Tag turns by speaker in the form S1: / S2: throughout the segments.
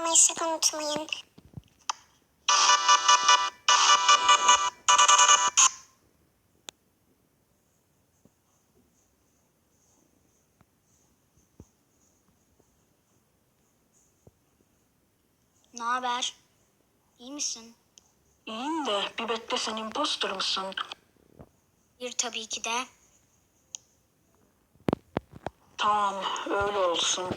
S1: olmayı sakın unutmayın.
S2: Ne haber? İyi misin?
S3: İyiyim de bir bekle, sen imposter mısın?
S2: Bir tabii ki de.
S3: Tamam, öyle olsun.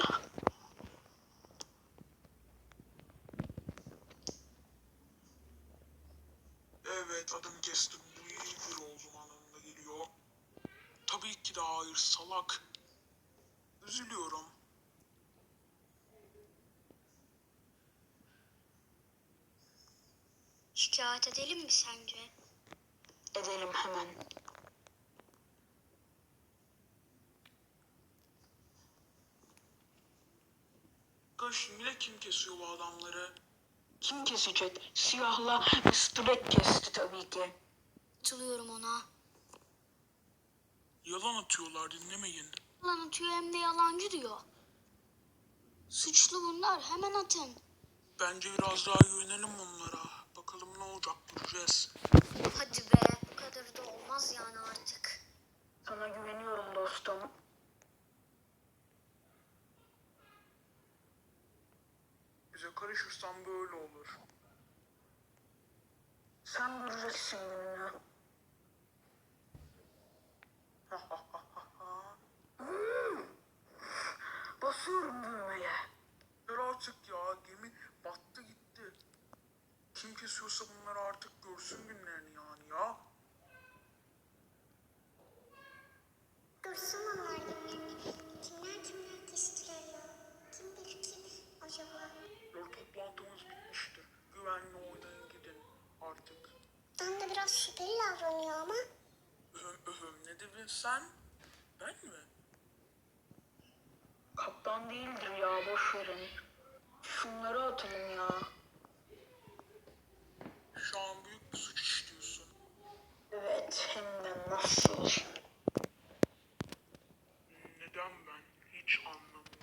S4: Evet, adım kestim. Bu iyi bir olduğum anlamına geliyor. Tabii ki de hayır, salak. Üzülüyorum.
S2: Şikayet edelim mi sence?
S3: Edelim hemen.
S4: Yine kim kesiyor bu adamları?
S3: Kim kesecek? Siyahla Mr. Black kesti tabii ki.
S2: Katılıyorum ona.
S4: Yalan atıyorlar, dinlemeyin.
S2: Yalan atıyor hem de yalancı diyor. Suçlu bunlar, hemen atın.
S4: Bence biraz daha güvenelim onlara. Bakalım ne olacak, göreceğiz.
S2: Hadi be, bu kadar da olmaz yani artık.
S3: Sana güveniyorum dostum.
S4: Bize karışırsan böyle olur.
S3: Sen göreceksin gününü. Basıyorum düğmeye.
S4: Ver artık ya, gemi battı gitti. Kim kesiyorsa bunları artık görsün günlerini yani ya.
S1: Görsün onlar günlerini. Kimler kestiler ya. Kim bilir kim acaba?
S4: Toplantımız bitmiştir. Güvenli oynayın, gidin artık.
S1: Ben de biraz şüpheli davranıyor ama.
S4: Ne dedin sen? Ben mi?
S3: Kaptan değildir ya, boş verin. Şunları atalım ya.
S4: Şu an büyük bir suç işliyorsun.
S3: Evet, hem de nasıl?
S4: Neden ben? Hiç anlamıyorum.